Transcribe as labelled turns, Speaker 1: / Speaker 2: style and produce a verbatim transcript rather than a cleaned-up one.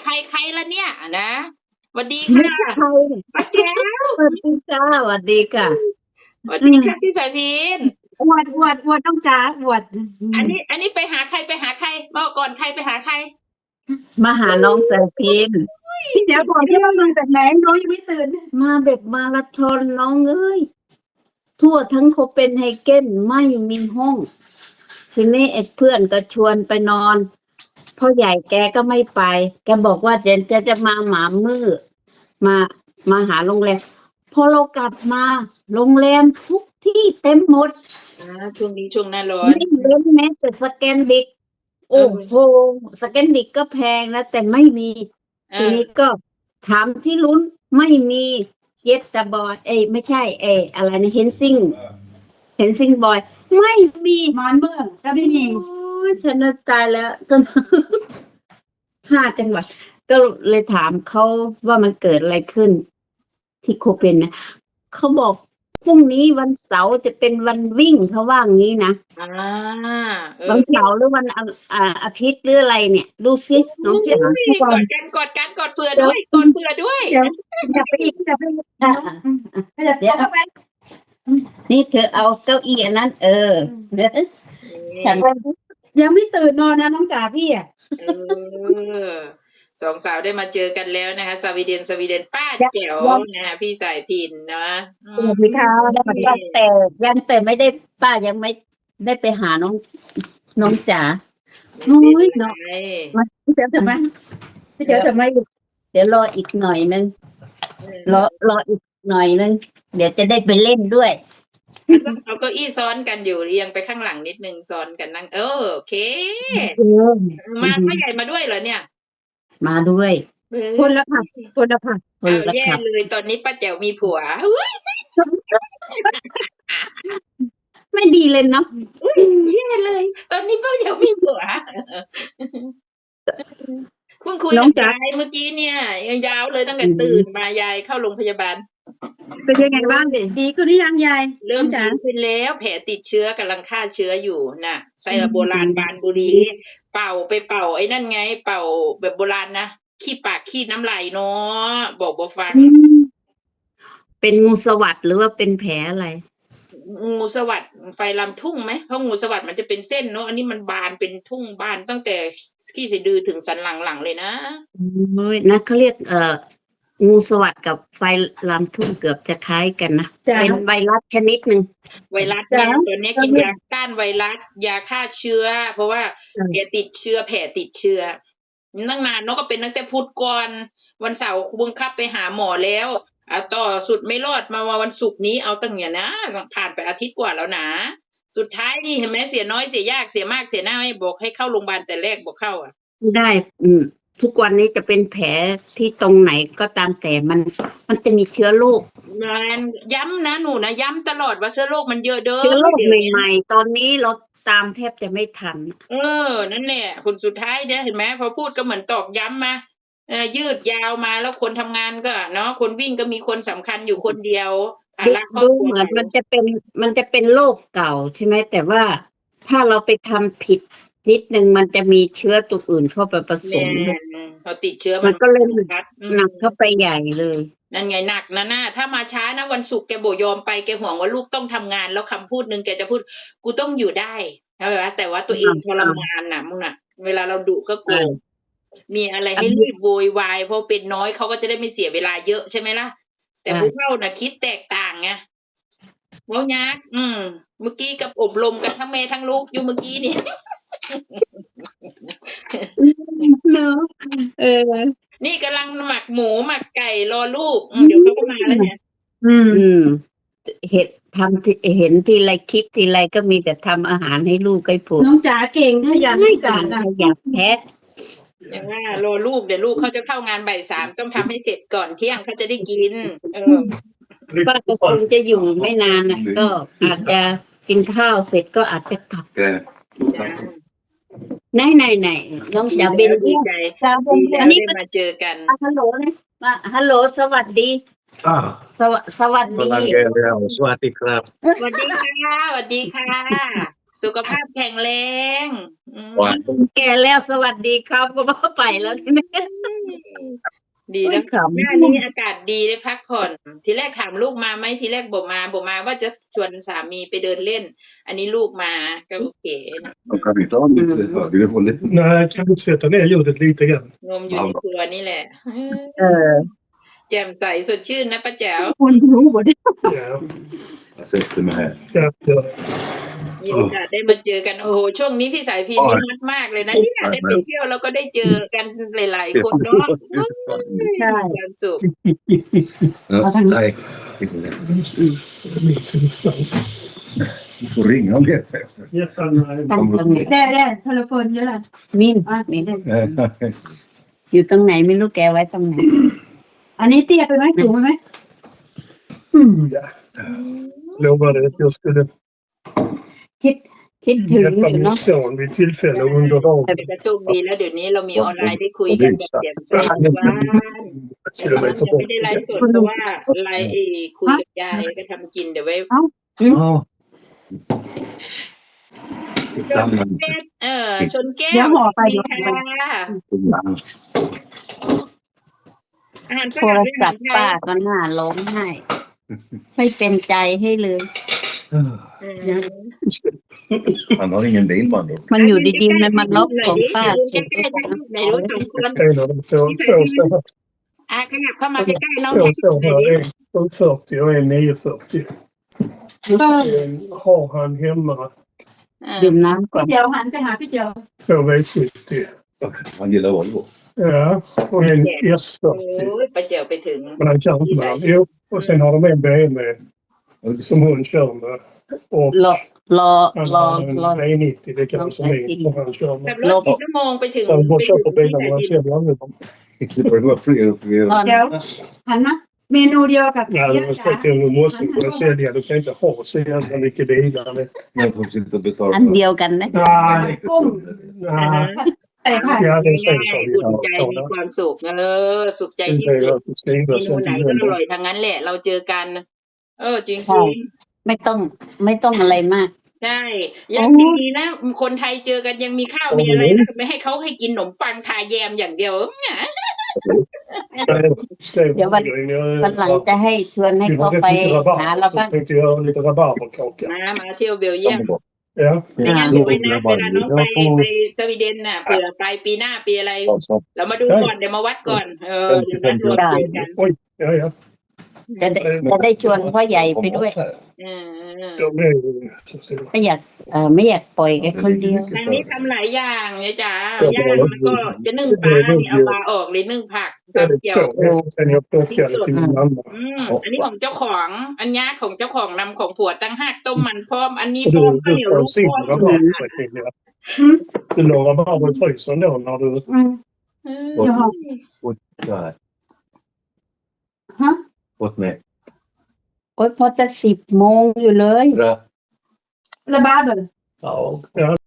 Speaker 1: รใครละเนี่ยนะสวัสดี
Speaker 2: ไม่
Speaker 1: ค่ะ
Speaker 2: ใช่
Speaker 1: ป้าแจ๋ว
Speaker 2: สวัสดีจ้าสวัสดีค่ะ
Speaker 1: สวัสดีค่ะพี่สายพิน
Speaker 2: อวดอวดอวดต้องจ้าอวด
Speaker 1: อันนี้ อันนี้ไปหาใครไปหาใครบอกก่อนใครไปหาใคร
Speaker 2: มาหาน้องสายพิน
Speaker 3: เดี๋ยวก่อนที่ว่ามาจากไหนน้องยังไม่ตื่น
Speaker 2: มาแบบมาราธอนน้องเอ้ยทั่วทั้งโคเปนไฮเกนไม่มีห้อง ทีนี้ไอ้เพื่อนก็ชวนไปนอนพ่อใหญ่แกก็ไม่ไป แกบอกว่าเดี๋ยวจะจะมาหมามือมามาหาโรงแรมพอเรากลับมาโรงแรมทุกที่เต็มหมด
Speaker 1: อ่าช่วงนี้ช่วงหน้าร้อน
Speaker 2: ไม่เว้นแม้แต่สแกนดิก โอ้โหสแกนดิกก็แพงนะแต่ไม่มี
Speaker 1: เอ
Speaker 2: ที
Speaker 1: อ
Speaker 2: นี้ก็ถามที่ลุ้นไม่มีเยสตาบอยเอ้ยไม่ใช่เอยอะไรนะเฮนซิงเฮนซิงบอยไม่มี
Speaker 3: มานเมืองก็ไม่มี
Speaker 2: โอ้ยฉันน่ะตายแล้วจน ห้าจังหวัด ก็เลยถามเขาว่ามันเกิดอะไรขึ้น ที่โคเปนนะเขาบอกพรุ่งนี้วันเสาร์จะเป็นวันวิ่งเขาว่างี้นะ
Speaker 1: อ่าเออ
Speaker 2: วันเสาร์หรือวันอาอ่าอาทิตย์หรืออะไรเนี่ย ดูสิน้องเจ๋ง
Speaker 1: โอ้ยกอดกันกอดกันกอดเผื่อด้วยกอดเผื่อด้วย
Speaker 3: เดี๋ยวอย่าไปอีกอย่าไปอีก
Speaker 2: อ่ะ
Speaker 3: อย่าเดี๋ยวเข้าไป
Speaker 2: นี่เธอเอาเก้าอี้อันนั้น เออเดี๋ยวฉัน
Speaker 3: ยังไม่ตื่นนอนนะน้องจ๋าพี่อ่ะ
Speaker 1: เออสองสาวได้มาเจอกันแล้วนะคะสวีเดนสวีเดนป้าแจ๋วนะคะพี่สายพินเนาะอื
Speaker 3: ส
Speaker 1: ม
Speaker 3: วัสดีค่ะสวัสดี
Speaker 2: ยังแต่ยังแต่ไม่ได้ป้ายังไม่ได้ไปหาน้องน้องจ๋า
Speaker 1: ไม่เป็นไร
Speaker 3: พี่เจ๋อทำไมพี่เจ๋อทำไม
Speaker 2: เดี๋ยวรออีกหน่อยนึง
Speaker 1: เออ
Speaker 2: รอรออีกหน่อยนึง เดี๋ยวจะได้ไปเล่นด้วย
Speaker 1: เอาเก้าอี้ซ้อนกันอยู่เรียงไปข้างหลังนิดนึงซ้อนกันนั่งเออโอเค
Speaker 2: เออ
Speaker 1: มาพ่อใหญ่มาด้วยเหรอเนี่ย
Speaker 2: มาด้วย
Speaker 1: เออ
Speaker 3: คนละค่ะคนละค่ะ
Speaker 2: คน
Speaker 1: เอา
Speaker 2: ละ
Speaker 1: แย่
Speaker 2: ขับ
Speaker 1: เลยตอนนี้ป้าแจ๋วมีผัวอุ๊ย
Speaker 2: ไม่ดีเลยเนาะ
Speaker 1: อุ๊ยแย่เลย ตอนนี้ป้าแจ๋วมีผัวเพิ่งคุย
Speaker 3: น้อ
Speaker 1: กั
Speaker 3: ง
Speaker 1: บ
Speaker 3: จ๋า
Speaker 1: ยายเมื่อกี้เนี่ยยังยาวเลยตั้งแต่ตื่นมายายเข้าโรงพยาบาล
Speaker 3: เป็นยังไงบ้างดีขึ้นหรือยังยาย
Speaker 1: เริ่ม
Speaker 3: น้องจ๋า
Speaker 1: ดีขึ้นแล้วแผลติดเชื้อกำลังฆ่าเชื้ออยู่น่ะไซโบราณบานบุรี เป่าไปเป่าไอ้นั่นไง เป่าแบบโบราณนะขี้ปากขี้น้ำลายเนาะบอกบ่ฟัง
Speaker 2: เป็นงูสวัสด์หรือว่าเป็นแผลอะไร
Speaker 1: งูสวัสด์ไฟลำทุ่งไหมเพราะงูสวัสด์มันจะเป็นเส้นเนาะอันนี้มันบานเป็นทุ่งบานตั้งแต่ขี้สะดือถึงสันหลังหลังเลยนะ
Speaker 2: เฮ้ยนะเขาเรียกเอ่องูสวัสด์กับไฟลามทุ่งเกือบจะคล้ายกันนะ
Speaker 3: จ๋า
Speaker 2: เป็นไวรัสชนิดหนึ่ง
Speaker 1: ไวรัสเนี่ย
Speaker 3: จ้ะ
Speaker 1: ตัวเนี้ยกินยาต้านไวรัสยาฆ่าเชื้อ เพราะว่า
Speaker 3: จ้ะ
Speaker 1: แผลติดเชื้อแผลติดเชื้อตั้งนานเนาะก็เป็นตั้งแต่พุธก่อนวันเสาร์บังคับไปหาหมอแล้วอ่ะต่อสุดไม่รอดมาวันศุกร์นี้เอาตั้งเนี่ยนะผ่านไปอาทิตย์กว่าแล้วนะสุดท้ายนี่เห็นไหมเสียน้อยเสียยากเสียมากเสียหน้าไม่บอกให้เข้าโรงพยาบาลแต่แรกบอกเข้าอ่ะ
Speaker 2: ได้ อืม ทุกวันนี้จะเป็นแผลที่ตรงไหนก็ตามแต่มัน มันจะมีเชื้อโรค
Speaker 1: มันย้ำนะหนูนะย้ำตลอดว่าเชื้อโรคมันเยอะเด้อ
Speaker 2: เชื้อโรค
Speaker 1: ดี๋ยวนี้
Speaker 2: ใหม่ๆ ตอนนี้เราตามแทบจะไม่ทัน
Speaker 1: เออ นั่นแหละคนสุดท้ายเนี่ยเห็นไหมพอพูดก็เหมือนตอกย้ำมาเออยืดยาวมาแล้วคนทำงานก็เนาะคนวิ่งก็มีคนสำคัญอยู่คนเดียวภา
Speaker 2: ดู
Speaker 1: ระครอบ
Speaker 2: ดู
Speaker 1: ครัว
Speaker 2: เหมือนมันจะเป็นมันจะเป็นโรคเก่าใช่ไหมแต่ว่าถ้าเราไปทำผิดนิดนึงมันจะมีเชื้อตัวอื่นเข้าไปผส
Speaker 1: แน่
Speaker 2: มด้วย
Speaker 1: พอติดเชื้อ
Speaker 2: มั
Speaker 1: มัน
Speaker 2: นก็เลย
Speaker 1: ชัดอืม
Speaker 2: หนักเข้าไปใหญ่เลย
Speaker 1: นั่นไงหนักนะน่าถ้ามาช้านะวันศุกร์แกโบยอมไปแกห่วงว่าลูกต้องทำงาน แล้วคำพูดหนึ่งแกจะพูดกูต้องอยู่ได้ใช่ไหมวะแต่ว่าตัวเองทรมานน่ะมึงน่ะ เวลาเราดุก็โกรธมีอะไรให้รีบโวยวายเพราะเป็นน้อยเขาก็จะได้ไม่เสียเวลาเยอะใช่ไหมล่ะ แต่ผู้เฒ่าน่ะคิดแตกต่างไงเว้ายักอืม เมื่อกี้กับอบรมกันทั้งแม่ทั้งลูกอยู่เมื่อกี้นี่
Speaker 2: เนาะเออ
Speaker 1: นี่กำลังหมักหมูหมักไก่รอลูกอืมเดี๋ยวเขาก็มาแล้วเนี่ย
Speaker 3: อืม
Speaker 2: อืม เห็นทำที่เห็นทีไรคลิปทีไรก็มีแต่ทำอาหารให้ลูกให้ผัว
Speaker 3: น้องจ๋าเก่งถ้าอยากให้จ๋านะ
Speaker 2: อยากแพ้
Speaker 1: อย่างว่ารอลูกเดี๋ยวลูกเขาจะเข้างานบ่ายสามต้องทำให้เสร็จก่อนเที่ยงเขาจะได้กิน เออ
Speaker 2: ป้าก็คงจะอยู่ไม่นานนะก็อาจจะกินข้าวเสร็จก็อาจจะกลับ
Speaker 1: จ้า
Speaker 2: ไหนไหนไหนน้องจ๋าเบน
Speaker 1: ดี
Speaker 2: ดี
Speaker 1: ใจ
Speaker 3: จ๋าเป็น
Speaker 1: ดี
Speaker 3: แบ
Speaker 1: แล้ว
Speaker 3: บ
Speaker 1: ได้มาเจอกัน
Speaker 2: ฮัลโหลนะมาฮัลโหลสวัสดี
Speaker 4: อ่า
Speaker 2: สวสวัส
Speaker 4: พ
Speaker 2: ดี
Speaker 4: ลังแกแล้วสวัสดีครับ
Speaker 1: สวัสดีค่ะสวัสดีค่ะ สุขภาพแข็งแรงอืม
Speaker 4: วัน
Speaker 2: แก่แล้วสวัสดีครับก็ว่าไปแล้วทีนี้
Speaker 1: เดีแล้วหน้านี้อากาศดีได้พักผ่อน ทีแรกถามลูกมาไหมทีแรกบอกมาบอกมาว่าจะชวนสามีไปเดินเล่น อันนี้ลูกมาก็โอเคนะ
Speaker 5: De kan inte ha lite högre volym.
Speaker 6: Nej, kan du sätta ner ljudet lite grann?
Speaker 1: งมอยู่ในตัวนี่แหละ
Speaker 2: เออ
Speaker 1: แจ่มใสสดชื่นนะป้าแจ๋ว
Speaker 3: คุณรู้หมด
Speaker 6: Ja,
Speaker 5: Jag sätter mig här.
Speaker 6: ja, ja.
Speaker 1: มีโอกาสได้มาเจอกันโอ้โหช่วงนี้พี่สายพีนี่ฮอตมากเลยนะเนี่ยได้ไปเที่ยวแล้วก็ได้เจอกันหลายๆคนเนาะ
Speaker 2: ใช่
Speaker 1: มีความสุข
Speaker 5: Ja, nej. Du får ringa om det efter.
Speaker 6: Jättegärna.
Speaker 2: ตั้งตรงไหน
Speaker 3: ได้ได้โทรศัพท์เยอะละ
Speaker 2: มินมินอยู่ตรงไหนไม่รู้แกไว้ตรงไหน
Speaker 3: อันนี้เตี้ยไปไหมสูงไปไหม
Speaker 6: Mm, ja. Lovade att jag skulle
Speaker 2: คิดคิดถึงอ
Speaker 6: hjälpa
Speaker 2: ยู่
Speaker 6: min
Speaker 2: เนาะ
Speaker 6: son vid tillfälle under dagen.
Speaker 1: เป็นกระโชคดีแล้วเดี๋ยวนี้เรามีออนไลน์ได้คุยกันแบบแจ่มใสว่า
Speaker 6: Ett kilometer
Speaker 1: ไม่
Speaker 6: bort.
Speaker 1: ได้ไลฟ์สดเพราะว่าไลฟ์เอคุยกับยายก็ทำกินเดี๋ยวไว้
Speaker 5: Ja.
Speaker 1: ชนแก้วเออชนแก้
Speaker 3: เดี๋ยว
Speaker 1: ว
Speaker 3: ห่อไป
Speaker 1: ดี
Speaker 3: เดี๋ยวห่อ
Speaker 1: ค่ะ
Speaker 5: Ibland.
Speaker 1: อาหาร
Speaker 2: โท
Speaker 1: ฝรั่
Speaker 2: รง ศัพท์ป้าก็น่าร้องไห้ไม่เป็นใจให้เลย
Speaker 5: Han har ingen bil med andra ord.
Speaker 2: มันอยู่ดีๆมันมาล็อกของป้า
Speaker 1: ใกล้ๆไหนรู้สองคน
Speaker 6: En av de två, två, två,
Speaker 1: อ่ะขยับเข้ามาใกล้ๆน้อง
Speaker 6: två
Speaker 1: แท็ก
Speaker 6: står här. En sju fyrtio och en nio fyrtio. En har han hemma
Speaker 2: ดื่มน้ำก่อน
Speaker 3: พี่เจียวหันไปหาพี่เจียว
Speaker 6: två V sjuttio.
Speaker 5: Han gillar Volvo.
Speaker 6: Ja, och en S
Speaker 1: โอ้
Speaker 6: fyrtio.
Speaker 1: ยไปเจียวไปถึง
Speaker 6: Men han kan inte med den. Jo, och sen har de en B M W som hon kör med. Och
Speaker 2: รอรอ
Speaker 6: han
Speaker 2: รอ
Speaker 6: har en
Speaker 2: รอ
Speaker 6: V nittio, det kan som min, som han kör
Speaker 1: ขับ
Speaker 6: med.
Speaker 1: รถกี่ชั่วโมงไปถึง
Speaker 6: Så han går och köper
Speaker 1: ไปถึ
Speaker 6: bilar
Speaker 1: ง
Speaker 6: och han säljer aldrig dem.
Speaker 5: Det börjar vara fler och fler.
Speaker 2: ตอน
Speaker 3: เดี๋ยวหันมาเมนูเดียวกับ
Speaker 6: Ja, det var sagt att du måste kunna sälja. Du kan inte ha så jävla mycket bilar. Det-
Speaker 5: Men får sitta och betala.
Speaker 2: อันเดียวกันนะ
Speaker 6: Nej,
Speaker 3: กุ้ง
Speaker 6: nej.
Speaker 3: ใส่ผัก
Speaker 6: Ja, det
Speaker 1: ง่าย
Speaker 6: sägs
Speaker 1: ๆ
Speaker 6: så.
Speaker 1: อุ่นใจ
Speaker 6: Ja,
Speaker 1: มี
Speaker 6: så.
Speaker 1: ความสุขเออสุขใจ
Speaker 6: Det
Speaker 1: ที่
Speaker 6: är
Speaker 1: สุด
Speaker 6: att det skriver
Speaker 1: เมนู
Speaker 6: sen
Speaker 1: ไหน
Speaker 6: till
Speaker 1: ก็อ
Speaker 6: jul.
Speaker 1: ร่อยทั้งนั้นแหละ เราเจอกัน เออจริง
Speaker 2: ใช่ ไม่ต้องไม่ต้องอะไรมาก
Speaker 1: ๆใช่ยังดีนะคนไทยเจอกันยังมีข้าวมีอะไรนะไม่ให้เขาให้กินขนมปังทาแยมอย่างเดียว
Speaker 6: Skriver
Speaker 2: Ja, vad-
Speaker 6: grejen. Jag-
Speaker 2: วันหลังจะให้ชวนให้
Speaker 6: Vi
Speaker 2: เขา
Speaker 6: hade
Speaker 2: ไป
Speaker 6: lite
Speaker 2: หา
Speaker 6: rabarber,
Speaker 2: เรา
Speaker 6: så
Speaker 2: บ้าง
Speaker 6: tänkte jag göra lite rabarberkaka.
Speaker 1: มามาเที่ยวเบลเยียม
Speaker 5: Kommer bort.
Speaker 6: Ja,
Speaker 1: ไม่งั้นเดี๋ยวไว้นะเวลาน้องไปไปสวีเดนน่ะเผื่อไปปีหน้าปีอะไร
Speaker 5: Alltså,
Speaker 1: เรามาดูก่อนเดี๋ยวมาวัดก่อน เออเดี๋ยวนัดรวมเจอกัน
Speaker 6: oj, ja, ja.
Speaker 2: จะได้จะได้ชวนพ่อใหญ่ไปด้วย
Speaker 1: เออ
Speaker 6: De är ju så stora.
Speaker 2: ไม่อยากเออไม่อยากปล่อยแกคนเดียว
Speaker 1: ทางนี้ทำหลายอย่างเนี่ยจ้าย่างแล้วก็จะนึ่งปลาเนี่ยเอาปลาออกหรือนึ่งผักก็
Speaker 6: Väldigt
Speaker 1: เกี่ยว
Speaker 6: tråkigt. Sen jag plockade till min mamma.
Speaker 1: อืมอันนี้ของเจ้าของ อันนี้ของเจ้าของนำของผัวตั้งหักต้มมันพร้อม อันนี้
Speaker 6: Och
Speaker 1: พร้อม
Speaker 6: du,
Speaker 1: ข้าว
Speaker 6: du
Speaker 1: เหนียว
Speaker 6: får
Speaker 1: ลู
Speaker 6: en
Speaker 1: ก
Speaker 6: sin
Speaker 1: พร้อม
Speaker 6: rabarber, Cecilia. Du la rabarber i frysen då när du...
Speaker 3: อืม
Speaker 1: เออ
Speaker 5: så här.
Speaker 3: ฮะ
Speaker 5: Åt mig.
Speaker 2: โอ๊ยพอจะสิบโมงอยู่เลย
Speaker 5: Bra.
Speaker 3: ระบาดเลย
Speaker 6: Ja, ja